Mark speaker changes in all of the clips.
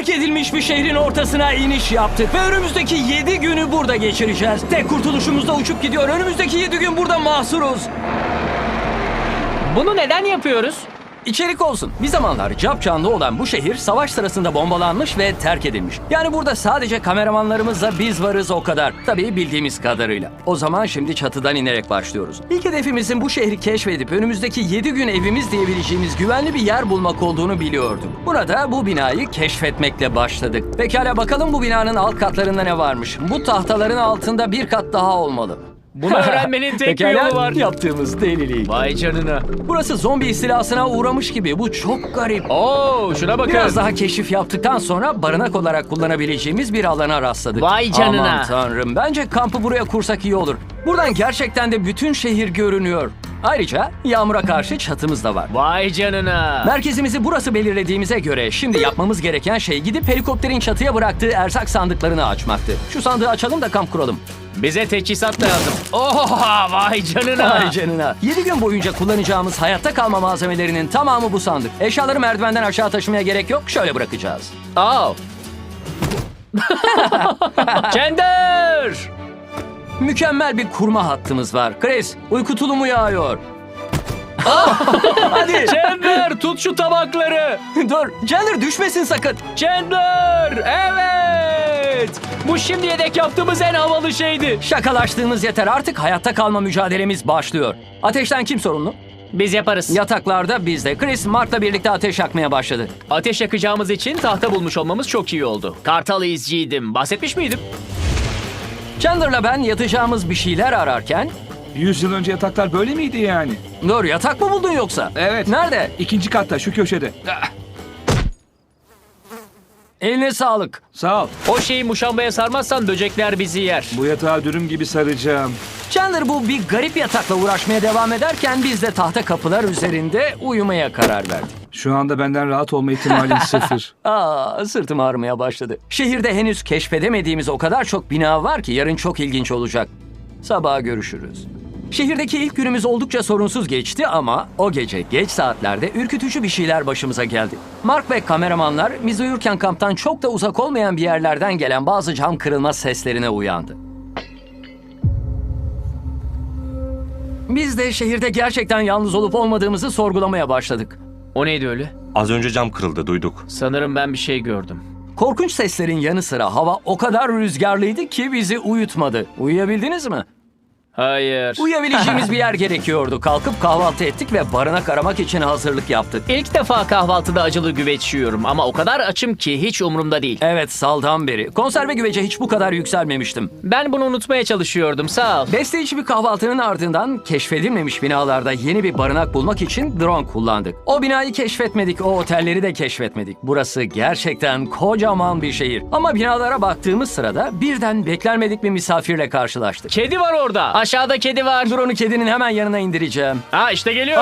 Speaker 1: terk edilmiş bir şehrin ortasına iniş yaptık ve önümüzdeki 7 günü burada geçireceğiz. Tek kurtuluşumuz da uçup gidiyor. Önümüzdeki 7 gün burada mahsuruz.
Speaker 2: Bunu neden yapıyoruz?
Speaker 1: İçerik olsun. Bir zamanlar capcanlı olan bu şehir savaş sırasında bombalanmış ve terk edilmiş. Yani burada sadece kameramanlarımızla biz varız o kadar. Tabii bildiğimiz kadarıyla. O zaman şimdi çatıdan inerek başlıyoruz. İlk hedefimizin bu şehri keşfedip önümüzdeki 7 gün evimiz diyebileceğimiz güvenli bir yer bulmak olduğunu biliyordum. Burada bu binayı keşfetmekle başladık. Pekala bakalım bu binanın alt katlarında ne varmış. Bu tahtaların altında bir kat daha olmalı.
Speaker 2: Bunu öğrenmenin tek bir yolu var.
Speaker 1: Yaptığımız delilik.
Speaker 2: Vay canına.
Speaker 1: Burası zombi istilasına uğramış gibi. Bu çok garip.
Speaker 2: Oo, şuna bakın.
Speaker 1: Biraz daha keşif yaptıktan sonra barınak olarak kullanabileceğimiz bir alana rastladık.
Speaker 2: Vay canına.
Speaker 1: Aman tanrım. Bence kampı buraya kursak iyi olur. Buradan gerçekten de bütün şehir görünüyor. Ayrıca yağmura karşı çatımız da var.
Speaker 2: Vay canına.
Speaker 1: Merkezimizi burası belirlediğimize göre şimdi yapmamız gereken şey gidip helikopterin çatıya bıraktığı erzak sandıklarını açmaktı. Şu sandığı açalım da kamp kuralım.
Speaker 2: Bize teçhizat lazım. Oha, vay canına.
Speaker 1: Ay canına. 7 gün boyunca kullanacağımız hayatta kalma malzemelerinin tamamı bu sandık. Eşyaları merdivenden aşağı taşımaya gerek yok. Şöyle bırakacağız.
Speaker 2: Aa. Cender.
Speaker 1: Mükemmel bir kurma hattımız var. Chris, uyku tulumu yağıyor. Hadi.
Speaker 2: Cender, tut şu tabakları.
Speaker 1: Dur, Chandler düşmesin sakın.
Speaker 2: Cender, evet. Bu şimdiye dek yaptığımız en havalı şeydi.
Speaker 1: Şakalaştığımız yeter. Artık hayatta kalma mücadelemiz başlıyor. Ateşten kim sorumlu?
Speaker 2: Biz yaparız.
Speaker 1: Yataklarda bizde. Chris, Mark'la birlikte ateş yakmaya başladı.
Speaker 2: Ateş yakacağımız için tahta bulmuş olmamız çok iyi oldu. Kartal izciydim. Bahsetmiş miydim?
Speaker 1: Chandler'la ben yatacağımız bir şeyler ararken...
Speaker 3: 100 yıl önce yataklar böyle miydi yani?
Speaker 1: Dur, yatak mı buldun yoksa?
Speaker 3: Evet.
Speaker 1: Nerede?
Speaker 3: İkinci katta, şu köşede.
Speaker 1: Eline sağlık.
Speaker 3: Sağ ol.
Speaker 2: O şeyi muşambaya sarmazsan böcekler bizi yer.
Speaker 3: Bu yatağı dürüm gibi saracağım.
Speaker 1: Chandler bu bir garip yatakla uğraşmaya devam ederken biz de tahta kapılar üzerinde uyumaya karar verdik.
Speaker 3: Şu anda benden rahat olma ihtimalin sıfır.
Speaker 1: Sırtım ağrımaya başladı. Şehirde henüz keşfedemediğimiz o kadar çok bina var ki yarın çok ilginç olacak. Sabaha görüşürüz. Şehirdeki ilk günümüz oldukça sorunsuz geçti ama o gece geç saatlerde ürkütücü bir şeyler başımıza geldi. Mark ve kameramanlar biz uyurken kamptan çok da uzak olmayan bir yerlerden gelen bazı cam kırılma seslerine uyandı. Biz de şehirde gerçekten yalnız olup olmadığımızı sorgulamaya başladık.
Speaker 2: O neydi öyle?
Speaker 4: Az önce cam kırıldı, duyduk.
Speaker 2: Sanırım ben bir şey gördüm.
Speaker 1: Korkunç seslerin yanı sıra hava o kadar rüzgarlıydı ki bizi uyutmadı. Uyuyabildiniz mi?
Speaker 2: Hayır.
Speaker 1: Uyuyabileceğimiz bir yer gerekiyordu. Kalkıp kahvaltı ettik ve barınak aramak için hazırlık yaptık.
Speaker 2: İlk defa kahvaltıda acılı güveç yiyorum ama o kadar açım ki hiç umurumda değil.
Speaker 1: Evet, saldan beri. Konserve güvece hiç bu kadar yükselmemiştim.
Speaker 2: Ben bunu unutmaya çalışıyordum, sağ ol.
Speaker 1: Besleyici bir kahvaltının ardından keşfedilmemiş binalarda yeni bir barınak bulmak için drone kullandık. O binayı keşfetmedik, o otelleri de keşfetmedik. Burası gerçekten kocaman bir şehir. Ama binalara baktığımız sırada birden beklenmedik bir misafirle karşılaştık.
Speaker 2: Kedi var orada. Aşağıda kedi var.
Speaker 1: Drone'u kedinin hemen yanına indireceğim.
Speaker 2: Ha işte geliyor.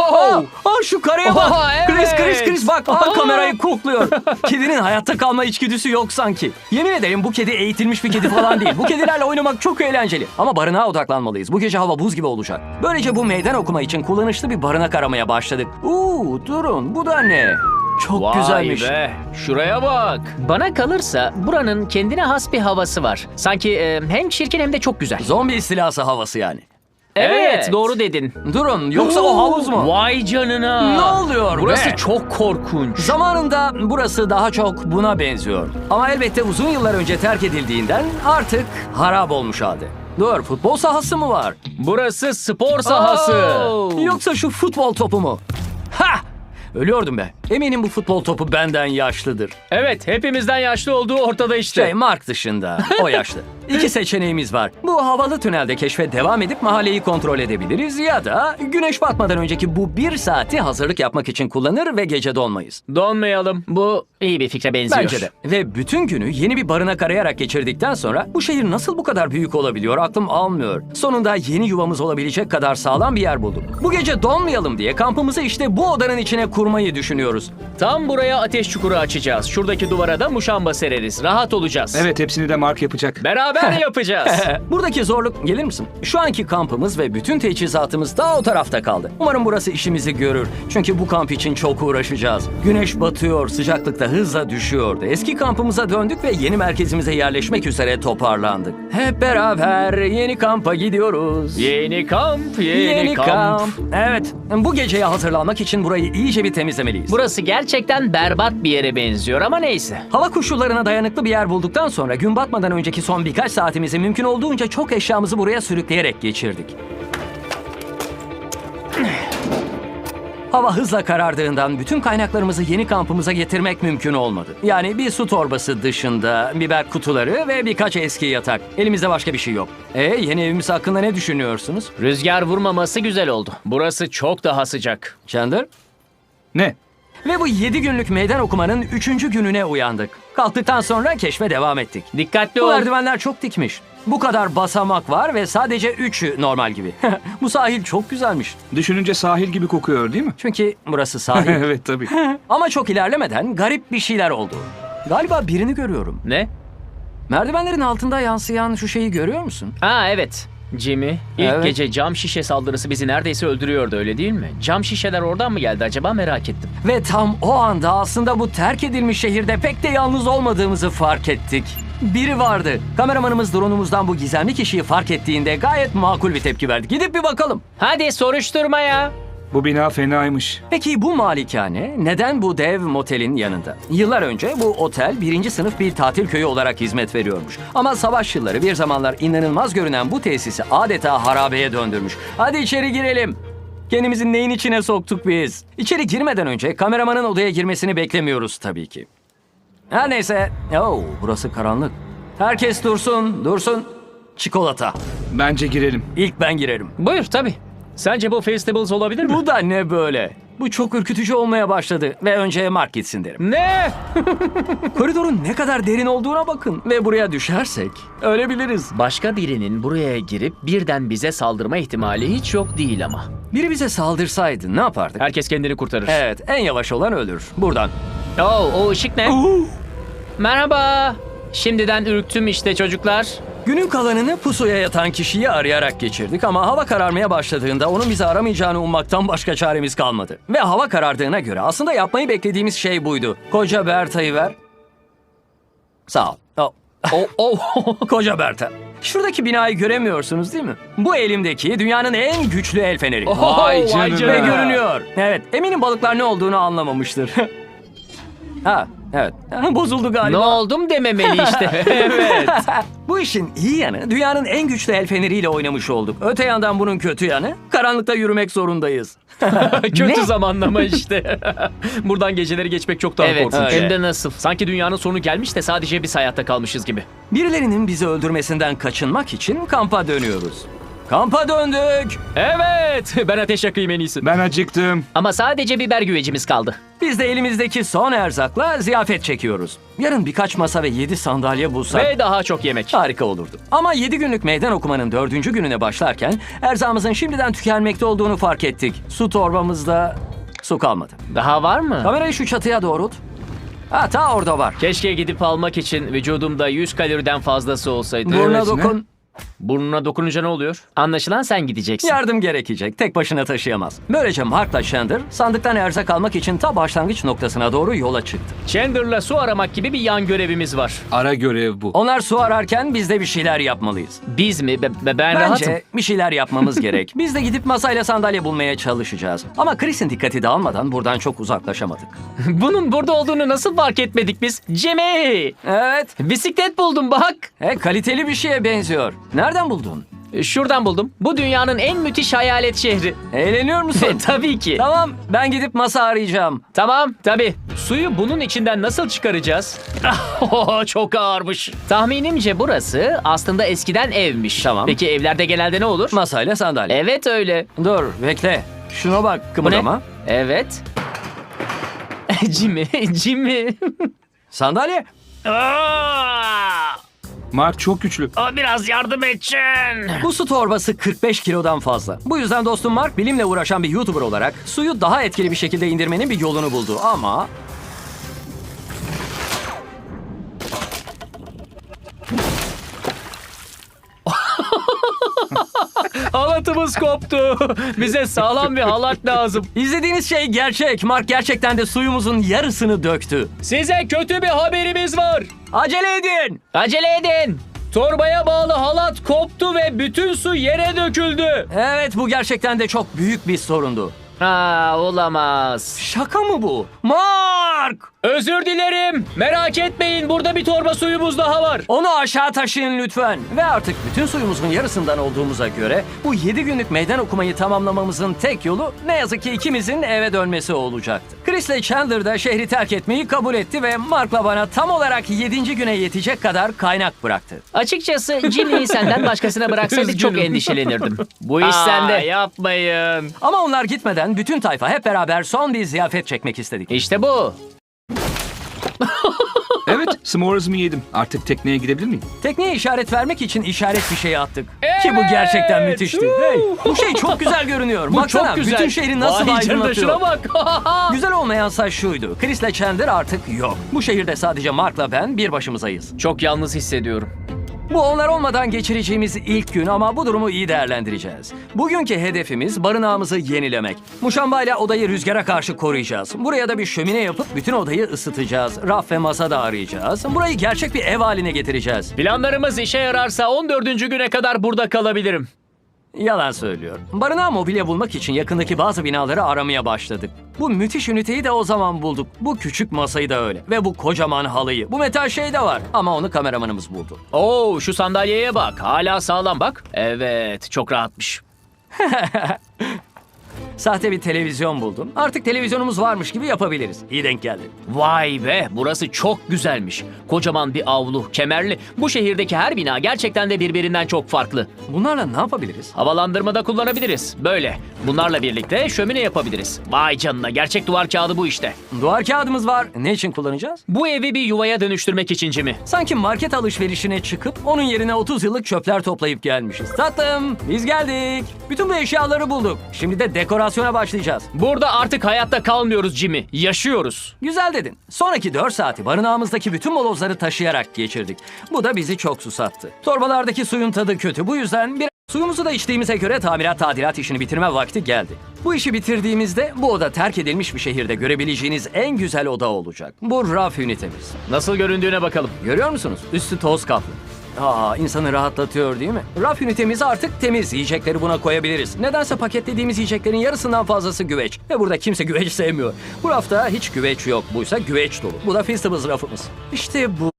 Speaker 1: Şu karaya bak.
Speaker 2: Oho, evet.
Speaker 1: Chris bak. Kamerayı kokluyor. Kedinin hayatta kalma içgüdüsü yok sanki. Yemin ederim bu kedi eğitilmiş bir kedi falan değil. Bu kedilerle oynamak çok eğlenceli. Ama barınağa odaklanmalıyız. Bu gece hava buz gibi olacak. Böylece bu meydan okuma için kullanışlı bir barınak aramaya başladık. Durun, bu da ne? Çok
Speaker 2: Vay
Speaker 1: güzelmiş.
Speaker 2: be, şuraya bak. Bana kalırsa buranın kendine has bir havası var. Sanki hem çirkin hem de çok güzel.
Speaker 1: Zombi istilası havası yani.
Speaker 2: Evet, doğru dedin.
Speaker 1: Durun, yoksa o havuz mu?
Speaker 2: Vay canına.
Speaker 1: Ne oluyor
Speaker 2: Burası
Speaker 1: be?
Speaker 2: çok korkunç.
Speaker 1: Zamanında burası daha çok buna benziyor. Ama elbette uzun yıllar önce terk edildiğinden artık harap olmuş halde. Dur, futbol sahası mı var?
Speaker 2: Burası spor sahası.
Speaker 1: Yoksa şu futbol topu mu? Ha! Ölüyordum be. Eminim bu futbol topu benden yaşlıdır.
Speaker 2: Evet, hepimizden yaşlı olduğu ortada işte.
Speaker 1: Mark dışında. O yaşlı. İki seçeneğimiz var. Bu havalı tünelde keşfe devam edip mahalleyi kontrol edebiliriz ya da güneş batmadan önceki bu 1 saati hazırlık yapmak için kullanır ve gece donmayız.
Speaker 2: Donmayalım. Bu iyi bir fikre benziyor.
Speaker 1: Bence de. Ve bütün günü yeni bir barınak arayarak geçirdikten sonra bu şehir nasıl bu kadar büyük olabiliyor aklım almıyor. Sonunda yeni yuvamız olabilecek kadar sağlam bir yer bulduk. Bu gece donmayalım diye kampımızı işte bu odanın içine kurduk. kurmayı düşünüyoruz.
Speaker 2: Tam buraya ateş çukuru açacağız. Şuradaki duvara da muşamba sereriz. Rahat olacağız.
Speaker 3: Evet, hepsini de Mark yapacak.
Speaker 2: Beraber yapacağız.
Speaker 1: Buradaki zorluk, gelir misin? Şu anki kampımız ve bütün teçhizatımız daha o tarafta kaldı. Umarım burası işimizi görür. Çünkü bu kamp için çok uğraşacağız. Güneş batıyor, sıcaklık da hızla düşüyordu. Eski kampımıza döndük ve yeni merkezimize yerleşmek üzere toparlandık. Hep beraber yeni kampa gidiyoruz.
Speaker 2: Yeni kamp, yeni kamp.
Speaker 1: Evet, bu geceye hazırlanmak için burayı iyice bir temizlemeliyiz.
Speaker 2: Burası gerçekten berbat bir yere benziyor ama neyse.
Speaker 1: Hava koşullarına dayanıklı bir yer bulduktan sonra gün batmadan önceki son birkaç saatimizi mümkün olduğunca çok eşyamızı buraya sürükleyerek geçirdik. Hava hızla karardığından bütün kaynaklarımızı yeni kampımıza getirmek mümkün olmadı. Yani bir su torbası dışında biber kutuları ve birkaç eski yatak. Elimizde başka bir şey yok. Yeni evimiz hakkında ne düşünüyorsunuz?
Speaker 2: Rüzgar vurmaması güzel oldu. Burası çok daha sıcak.
Speaker 1: Chandler?
Speaker 3: Ne?
Speaker 1: Ve bu 7 günlük meydan okumanın 3. gününe uyandık. Kalktıktan sonra keşfe devam ettik.
Speaker 2: Dikkatli
Speaker 1: Bu
Speaker 2: ol.
Speaker 1: merdivenler çok dikmiş. Bu kadar basamak var ve sadece 3'ü normal gibi. Bu sahil çok güzelmiş.
Speaker 3: Düşününce sahil gibi kokuyor değil mi?
Speaker 1: Çünkü burası sahil.
Speaker 3: Evet tabii.
Speaker 1: Ama çok ilerlemeden garip bir şeyler oldu. Galiba birini görüyorum.
Speaker 2: Ne?
Speaker 1: Merdivenlerin altında yansıyan şu şeyi görüyor musun?
Speaker 2: Ha evet. Jimmy, ilk
Speaker 1: Evet.
Speaker 2: gece cam şişe saldırısı bizi neredeyse öldürüyordu öyle değil mi? Cam şişeler oradan mı geldi acaba merak ettim.
Speaker 1: Ve tam o anda aslında bu terk edilmiş şehirde pek de yalnız olmadığımızı fark ettik. Biri vardı. Kameramanımız drone'umuzdan bu gizemli kişiyi fark ettiğinde gayet makul bir tepki verdi. Gidip bir bakalım.
Speaker 2: Hadi soruşturmaya.
Speaker 3: Bu bina fenaymış.
Speaker 1: Peki bu malikane neden bu dev motelin yanında? Yıllar önce bu otel 1. sınıf bir tatil köyü olarak hizmet veriyormuş. Ama savaş yılları bir zamanlar inanılmaz görünen bu tesisi adeta harabeye döndürmüş. Hadi içeri girelim. Kendimizi neyin içine soktuk biz? İçeri girmeden önce kameramanın odaya girmesini beklemiyoruz tabii ki. Her neyse. Burası karanlık. Herkes dursun, dursun. Çikolata.
Speaker 3: Bence girelim.
Speaker 1: İlk ben girerim.
Speaker 2: Buyur tabii. Sence bu Feastables olabilir mi?
Speaker 1: Bu da ne böyle? Bu çok ürkütücü olmaya başladı ve önce Mark gitsin derim.
Speaker 2: Ne?
Speaker 1: Koridorun ne kadar derin olduğuna bakın. Ve buraya düşersek ölebiliriz.
Speaker 2: Başka birinin buraya girip birden bize saldırma ihtimali hiç yok değil ama.
Speaker 1: Biri bize saldırsaydı ne yapardık?
Speaker 2: Herkes kendini kurtarır.
Speaker 1: Evet, en yavaş olan ölür. Buradan.
Speaker 2: O ışık ne? Merhaba. Şimdiden ürktüm işte çocuklar.
Speaker 1: Günün kalanını pusuya yatan kişiyi arayarak geçirdik ama hava kararmaya başladığında onun bizi aramayacağını ummaktan başka çaremiz kalmadı. Ve hava karardığına göre aslında yapmayı beklediğimiz şey buydu. Koca Berta'yı ver. Sağ ol. Koca Berta. Şuradaki binayı göremiyorsunuz değil mi? Bu elimdeki dünyanın en güçlü el feneri.
Speaker 3: Vay canına.
Speaker 1: Ve görünüyor. Evet, eminim balıklar ne olduğunu anlamamıştır. Evet. Bozuldu
Speaker 2: Ne
Speaker 1: galiba.
Speaker 2: oldum dememeli işte. Evet.
Speaker 1: Bu işin iyi yanı dünyanın en güçlü el feneriyle oynamış olduk. Öte yandan bunun kötü yanı karanlıkta yürümek zorundayız.
Speaker 2: Kötü zamanlama işte. Buradan geceleri geçmek çok daha
Speaker 1: Evet,
Speaker 2: korkunç.
Speaker 1: öyle.
Speaker 2: Hem de nasıl? Sanki dünyanın sonu gelmiş de sadece biz hayatta kalmışız gibi.
Speaker 1: Birilerinin bizi öldürmesinden kaçınmak için kampa dönüyoruz. Kampa döndük.
Speaker 2: Evet. Ben ateş yakayım en iyisi.
Speaker 3: Ben acıktım.
Speaker 2: Ama sadece biber güvecimiz kaldı.
Speaker 1: Biz de elimizdeki son erzakla ziyafet çekiyoruz. Yarın birkaç masa ve 7 sandalye bulsak
Speaker 2: Ve daha çok yemek.
Speaker 1: harika olurdu. Ama 7 günlük meydan okumanın 4. gününe başlarken erzağımızın şimdiden tükenmekte olduğunu fark ettik. Su torbamızda su kalmadı.
Speaker 2: Daha var mı?
Speaker 1: Kamerayı şu çatıya doğrult. Ta orada var.
Speaker 2: Keşke gidip almak için vücudumda 100 kaloriden fazlası olsaydı.
Speaker 1: Burnuna
Speaker 3: Evet,
Speaker 1: dokun.
Speaker 2: Burnuna dokununca ne oluyor? Anlaşılan sen gideceksin.
Speaker 1: Yardım gerekecek. Tek başına taşıyamaz. Böylece Mark'la Chandler sandıktan erzak almak için ta başlangıç noktasına doğru yola çıktı.
Speaker 2: Chandler'la su aramak gibi bir yan görevimiz var.
Speaker 3: Ara görev bu.
Speaker 1: Onlar su ararken biz de bir şeyler yapmalıyız.
Speaker 2: Biz mi? Ben rahatım.
Speaker 1: Bence bir şeyler yapmamız gerek. Biz de gidip masayla sandalye bulmaya çalışacağız. Ama Chris'in dikkati dağılmadan buradan çok uzaklaşamadık.
Speaker 2: Bunun burada olduğunu nasıl fark etmedik biz? Jimmy!
Speaker 1: Evet.
Speaker 2: Bisiklet buldum bak.
Speaker 1: Kaliteli bir şeye benziyor. Nereden buldun?
Speaker 2: Şuradan buldum. Bu dünyanın en müthiş hayalet şehri.
Speaker 1: Eğleniyor musun?
Speaker 2: Tabii ki.
Speaker 1: Tamam, ben gidip masa arayacağım.
Speaker 2: Tamam, tabii. Suyu bunun içinden nasıl çıkaracağız? Çok ağırmış. Tahminimce burası aslında eskiden evmiş.
Speaker 1: Tamam.
Speaker 2: Peki evlerde genelde ne olur?
Speaker 1: Masayla sandalye.
Speaker 2: Evet öyle.
Speaker 1: Dur, bekle. Şuna bak,
Speaker 2: Bu ne?
Speaker 1: kımıldama.
Speaker 2: Evet. Jimmy.
Speaker 1: Sandalye.
Speaker 3: Mark çok güçlü.
Speaker 2: Biraz yardım edin.
Speaker 1: Bu su torbası 45 kilodan fazla. Bu yüzden dostum Mark bilimle uğraşan bir YouTuber olarak suyu daha etkili bir şekilde indirmenin bir yolunu buldu. Ama
Speaker 2: Halatımız koptu. Bize sağlam bir halat lazım.
Speaker 1: izlediğiniz şey gerçek. Mark gerçekten de suyumuzun yarısını döktü.
Speaker 2: Size kötü bir haberimiz var.
Speaker 1: Acele edin.
Speaker 2: Acele edin. Torbaya bağlı halat koptu ve bütün su yere döküldü.
Speaker 1: Evet, bu gerçekten de çok büyük bir sorundu.
Speaker 2: Olamaz.
Speaker 1: Şaka mı bu? Mark!
Speaker 2: Özür dilerim. Merak etmeyin, burada bir torba suyumuz daha var.
Speaker 1: Onu aşağı taşıyın lütfen. Ve artık bütün suyumuzun yarısından olduğumuza göre bu 7 günlük meydan okumayı tamamlamamızın tek yolu ne yazık ki ikimizin eve dönmesi olacaktı. Chris ile Chandler da şehri terk etmeyi kabul etti ve Mark'la bana tam olarak 7. güne yetecek kadar kaynak bıraktı.
Speaker 2: Açıkçası Jimmy'yi senden başkasına bıraksaydık çok endişelenirdim. Bu iş sende. Yapmayın.
Speaker 1: Ama onlar gitmeden bütün tayfa hep beraber son bir ziyafet çekmek istedik.
Speaker 2: İşte bu.
Speaker 3: Evet, s'mores'ımı yedim. Artık tekneye gidebilir miyim?
Speaker 1: Tekneye işaret vermek için işaret fişeği attık. Ki bu gerçekten müthişti. Hey, bu şey çok güzel görünüyor.
Speaker 2: Bu
Speaker 1: Baksana,
Speaker 2: çok güzel.
Speaker 1: bütün şehri nasıl
Speaker 2: Vay canına,
Speaker 1: aydınlatıyor.
Speaker 2: şuna bak.
Speaker 1: Güzel olmayan say şuydu. Chris'le Chandler artık yok. Bu şehirde sadece Mark'la ben bir başımızayız.
Speaker 2: Çok yalnız hissediyorum.
Speaker 1: Bu onlar olmadan geçireceğimiz ilk gün ama bu durumu iyi değerlendireceğiz. Bugünkü hedefimiz barınağımızı yenilemek. Muşambayla odayı rüzgara karşı koruyacağız. Buraya da bir şömine yapıp bütün odayı ısıtacağız. Raf ve masa da arayacağız. Burayı gerçek bir ev haline getireceğiz.
Speaker 2: Planlarımız işe yararsa 14. güne kadar burada kalabilirim.
Speaker 1: Yalan söylüyor. Barınağa mobilya bulmak için yakındaki bazı binaları aramaya başladık. Bu müthiş üniteyi de o zaman bulduk. Bu küçük masayı da öyle. Ve bu kocaman halıyı. Bu metal şey de var. Ama onu kameramanımız buldu.
Speaker 2: Oo, şu sandalyeye bak. Hala sağlam bak. Evet, çok rahatmış.
Speaker 1: Sahte bir televizyon buldum. Artık televizyonumuz varmış gibi yapabiliriz. İyi denk geldi.
Speaker 2: Vay be, burası çok güzelmiş. Kocaman bir avlu, kemerli. Bu şehirdeki her bina gerçekten de birbirinden çok farklı.
Speaker 1: Bunlarla ne yapabiliriz?
Speaker 2: Havalandırma da kullanabiliriz. Böyle. Bunlarla birlikte şömine yapabiliriz. Vay canına, gerçek duvar kağıdı bu işte.
Speaker 1: Duvar kağıdımız var. Ne için kullanacağız?
Speaker 2: Bu evi bir yuvaya dönüştürmek için Jimmy.
Speaker 1: Sanki market alışverişine çıkıp onun yerine 30 yıllık çöpler toplayıp gelmişiz. Tatlım, biz geldik. Bütün bu eşyaları bulduk. Şimdi de dekorasyona başlayacağız.
Speaker 2: Burada artık hayatta kalmıyoruz Jimmy. Yaşıyoruz.
Speaker 1: Güzel dedin. Sonraki 4 saati barınağımızdaki bütün molozları taşıyarak geçirdik. Bu da bizi çok susattı. Torbalardaki suyun tadı kötü. Bu yüzden suyumuzu da içtiğimize göre tadilat işini bitirme vakti geldi. Bu işi bitirdiğimizde bu oda terk edilmiş bir şehirde görebileceğiniz en güzel oda olacak. Bu raf ünitemiz.
Speaker 2: Nasıl göründüğüne bakalım.
Speaker 1: Görüyor musunuz? Üstü toz kaplı. İnsanı rahatlatıyor değil mi? Raf ünitemiz artık temiz. Yiyecekleri buna koyabiliriz. Nedense paketlediğimiz yiyeceklerin yarısından fazlası güveç. Ve burada kimse güveç sevmiyor. Bu rafta hiç güveç yok. Buysa güveç dolu. Bu da Feastables rafımız. İşte bu.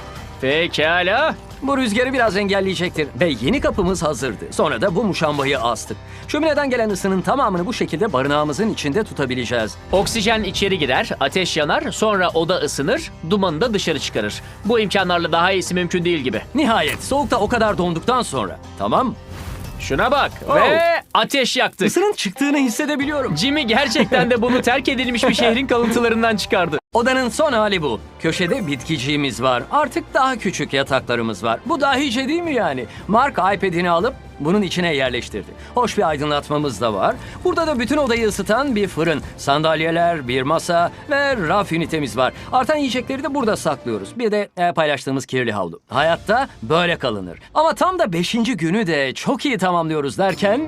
Speaker 2: Pekala.
Speaker 1: Bu rüzgarı biraz engelleyecektir. Ve yeni kapımız hazırdı. Sonra da bu muşambayı astık. Şömineden gelen ısının tamamını bu şekilde barınağımızın içinde tutabileceğiz.
Speaker 2: Oksijen içeri girer, ateş yanar, sonra oda ısınır, dumanı da dışarı çıkarır. Bu imkanlarla daha iyisi mümkün değil gibi.
Speaker 1: Nihayet soğukta o kadar donduktan sonra. Tamam.
Speaker 2: Şuna bak
Speaker 1: Oh.
Speaker 2: ve ateş yaktık.
Speaker 1: Isının çıktığını hissedebiliyorum.
Speaker 2: Jimmy gerçekten de bunu terk edilmiş bir şehrin kalıntılarından çıkardı.
Speaker 1: Odanın son hali bu. Köşede bitkiciğimiz var. Artık daha küçük yataklarımız var. Bu dahice değil mi yani? Mark iPad'ini alıp bunun içine yerleştirdi. Hoş bir aydınlatmamız da var. Burada da bütün odayı ısıtan bir fırın, sandalyeler, bir masa ve raf ünitemiz var. Artan yiyecekleri de burada saklıyoruz. Bir de paylaştığımız kirli havlu. Hayatta böyle kalınır. Ama tam da 5. günü de çok iyi tamamlıyoruz derken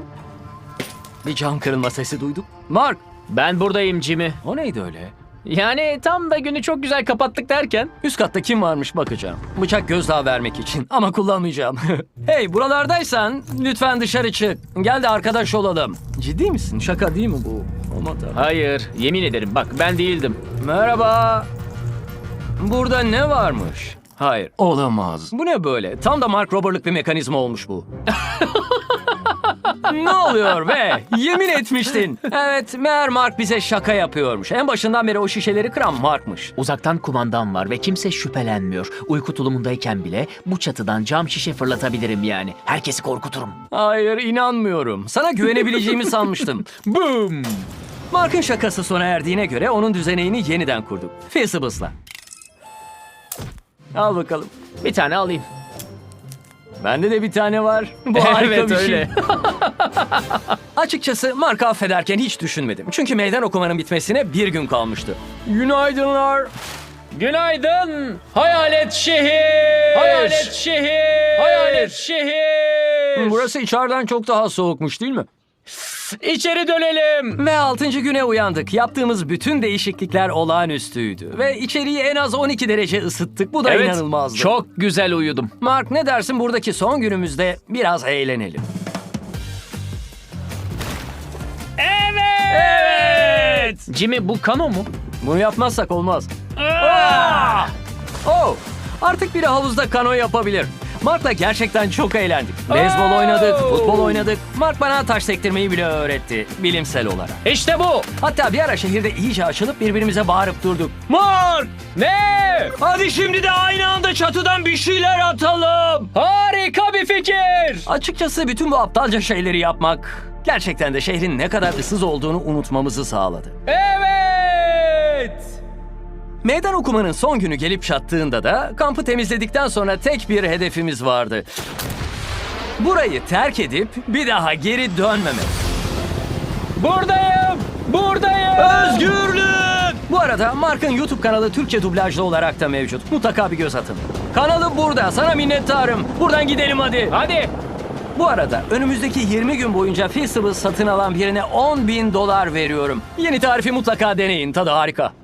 Speaker 1: bir cam kırılma sesi duyduk. Mark,
Speaker 2: Ben buradayım Jimmy.
Speaker 1: o neydi öyle?
Speaker 2: Yani tam da günü çok güzel kapattık derken.
Speaker 1: Üst katta kim varmış bakacağım. Bıçak gözdağı vermek için ama kullanmayacağım. Hey, buralardaysan lütfen dışarı çık. Gel de arkadaş olalım. Ciddi misin? Şaka değil mi bu? Aman tanrım.
Speaker 2: Hayır, yemin ederim bak ben değildim.
Speaker 1: Merhaba. Burada ne varmış? Hayır, olamaz. Bu ne böyle? Tam da Mark Robert'lık bir mekanizma olmuş bu. Ne oluyor be? Yemin etmiştin. Evet, meğer Mark bize şaka yapıyormuş. En başından beri o şişeleri kıran Mark'mış.
Speaker 2: Uzaktan kumandam var ve kimse şüphelenmiyor. Uyku tulumundayken bile bu çatıdan cam şişe fırlatabilirim yani. Herkesi korkuturum.
Speaker 1: Hayır, inanmıyorum. Sana güvenebileceğimi sanmıştım.
Speaker 2: Boom!
Speaker 1: Mark'ın şakası sona erdiğine göre onun düzeneğini yeniden kurduk. Feastables'la. Al bakalım.
Speaker 2: Bir tane alayım.
Speaker 1: Bende de bir tane var. Bu harika
Speaker 2: Evet,
Speaker 1: bir
Speaker 2: öyle.
Speaker 1: şey. Açıkçası Mark'ı affederken hiç düşünmedim. Çünkü meydan okumanın bitmesine bir gün kalmıştı. Günaydınlar.
Speaker 2: Günaydın hayalet şehir. Hayalet şehir. Hayalet şehir.
Speaker 1: Burası içeriden çok daha soğukmuş değil mi?
Speaker 2: İçeri dönelim.
Speaker 1: Ve 6. güne uyandık. Yaptığımız bütün değişiklikler olağanüstüydü. Ve içeriği en az 12 derece ısıttık. Bu da
Speaker 2: Evet,
Speaker 1: inanılmazdı.
Speaker 2: çok güzel uyudum.
Speaker 1: Mark, ne dersin buradaki son günümüzde biraz eğlenelim?
Speaker 2: Evet. Jimmy, bu kano mu?
Speaker 1: Bunu yapmazsak olmaz. Oh, artık biri havuzda kano yapabilir. Mark'la gerçekten çok eğlendik. Beyzbol oynadık, futbol oynadık. Mark bana taş sektirmeyi bile öğretti bilimsel olarak.
Speaker 2: İşte bu.
Speaker 1: Hatta bir ara şehirde iyice açılıp birbirimize bağırıp durduk. Mark!
Speaker 2: Ne?
Speaker 1: Hadi şimdi de aynı anda çatıdan bir şeyler atalım.
Speaker 2: Harika bir fikir.
Speaker 1: Açıkçası bütün bu aptalca şeyleri yapmak gerçekten de şehrin ne kadar ıssız olduğunu unutmamızı sağladı.
Speaker 2: Evet.
Speaker 1: Meydan okumanın son günü gelip çattığında da kampı temizledikten sonra tek bir hedefimiz vardı. Burayı terk edip bir daha geri dönmemek.
Speaker 2: Buradayım. Buradayım.
Speaker 1: Özgürlük! Bu arada Mark'ın YouTube kanalı Türkçe dublajlı olarak da mevcut. Mutlaka bir göz atın. Kanalı burada. Sana minnettarım. Buradan gidelim hadi.
Speaker 2: Hadi.
Speaker 1: Bu arada önümüzdeki 20 gün boyunca Feastables satın alan birine $10.000 veriyorum. Yeni tarifi mutlaka deneyin. Tadı harika.